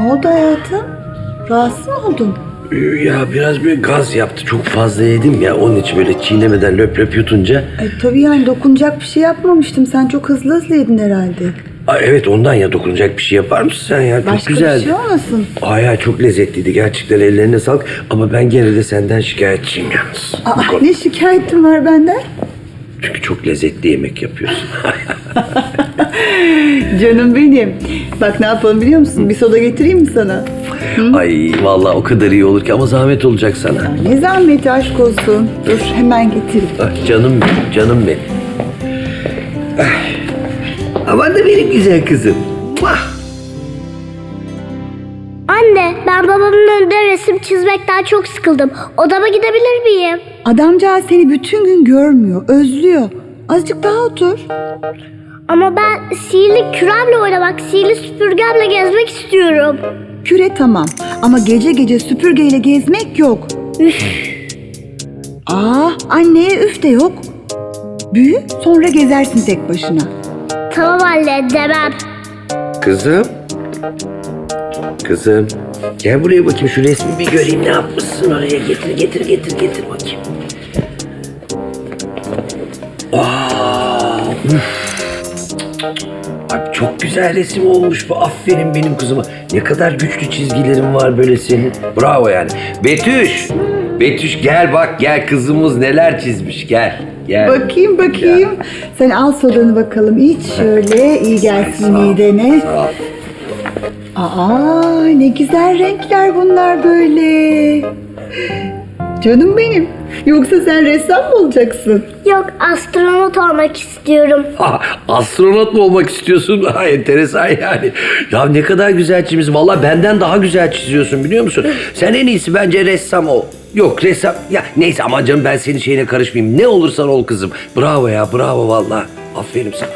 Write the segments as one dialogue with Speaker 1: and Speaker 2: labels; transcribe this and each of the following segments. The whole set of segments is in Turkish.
Speaker 1: oldu hayatım? Rahatsız mı oldun?
Speaker 2: Ya biraz bir gaz yaptı. Çok fazla yedim ya. Onun için böyle çiğnemeden löp löp yutunca.
Speaker 1: Tabii yani dokunacak bir şey yapmamıştım. Sen çok hızlı hızlı yedin herhalde.
Speaker 2: Evet ondan ya, dokunacak bir şey yapar mısın sen ya? Çok
Speaker 1: Başka
Speaker 2: güzeldi.
Speaker 1: bir şey olmasın?
Speaker 2: Ya çok lezzetliydi. Gerçekten ellerine sağlık. Ama ben gene de senden şikayetçiyim yalnız.
Speaker 1: Ne şikayetin var benden?
Speaker 2: Çünkü çok lezzetli yemek yapıyorsun.
Speaker 1: Canım benim. Bak ne yapalım biliyor musun? Bir soda getireyim mi sana?
Speaker 2: Ay vallahi o kadar iyi olur ki, ama zahmet olacak sana.
Speaker 1: Ne zahmeti, aşk olsun. Dur hemen getireyim.
Speaker 2: Canım benim, canım benim. Aman da benim güzel kızım.
Speaker 3: Anne, ben babamın önünde resim çizmekten çok sıkıldım. Odama gidebilir miyim?
Speaker 1: Adamcağız seni bütün gün görmüyor, özlüyor. Azıcık daha otur.
Speaker 3: Ama ben sihirli küremle oynamak, sihirli süpürgemle gezmek istiyorum.
Speaker 1: Küre tamam ama gece gece süpürgeyle gezmek yok.
Speaker 3: Üf,
Speaker 1: Anneye üf de yok. Büyü sonra gezersin tek başına.
Speaker 3: tamam anne, demem.
Speaker 2: Kızım. Kızım. Gel buraya bakayım, şu resmi bir göreyim, ne yapmışsın oraya. Getir bakayım. Abi çok güzel resim olmuş bu. Aferin benim kızıma. Ne kadar güçlü çizgilerin var böyle senin. Bravo yani. Betüş. Betüş gel bak, gel kızımız neler çizmiş, gel. Gel.
Speaker 1: Bakayım.
Speaker 2: Ya.
Speaker 1: Sen al sodanı bakalım. İç şöyle, iyi gelsin midene.
Speaker 2: Sağ ol.
Speaker 1: Ne güzel renkler bunlar böyle. Canım benim. Yoksa sen ressam mı olacaksın?
Speaker 3: Yok, astronot olmak istiyorum.
Speaker 2: Astronot mu olmak istiyorsun? Enteresan yani. Ya ne kadar güzel çizmişsin. Vallahi benden daha güzel çiziyorsun, biliyor musun? Sen en iyisi bence ressam ol. Yok ressam. Ya neyse, aman canım, ben senin şeyine karışmayayım. Ne olursan ol kızım. Bravo ya, bravo vallahi. Aferin sana.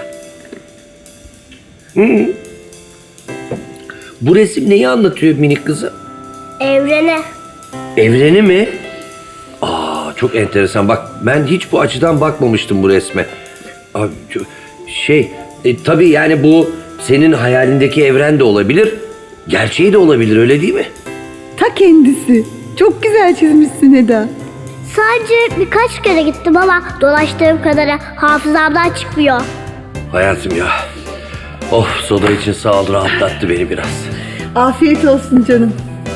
Speaker 2: Bu resim neyi anlatıyor minik kızım?
Speaker 3: Evrene.
Speaker 2: Evreni mi? Çok enteresan. Bak ben hiç bu açıdan bakmamıştım bu resme. Abi tabii yani bu senin hayalindeki evren de olabilir. Gerçeği de olabilir, öyle değil mi?
Speaker 1: Ta kendisi. Çok güzel çizmişsin Eda.
Speaker 3: Sadece birkaç kere gittim ama dolaştığım kadarı hafızamdan çıkmıyor.
Speaker 2: Hayatım ya. Soda için sağ ol, rahatlattı beni biraz.
Speaker 1: Afiyet olsun canım.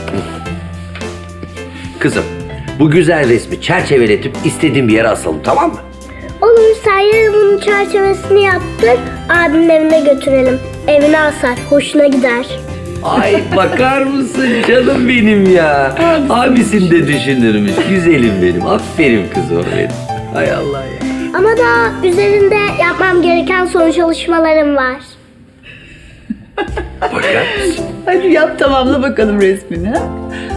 Speaker 2: Kızım, bu güzel resmi çerçeveletip istediğin bir yere asalım, tamam mı?
Speaker 3: Olur, sen yarın bunun çerçevesini yaptır, abimin evine götürelim. Evine asar, hoşuna gider.
Speaker 2: Ay bakar mısın canım benim ya. Abisini de düşünürmüş. Güzelim benim. Aferin kızım benim. Hay Allah ya.
Speaker 3: Ama daha üzerinde yapmam gereken son çalışmalarım var.
Speaker 2: Bakar mısın?
Speaker 1: Hadi yap, tamamla bakalım resmini. Ha?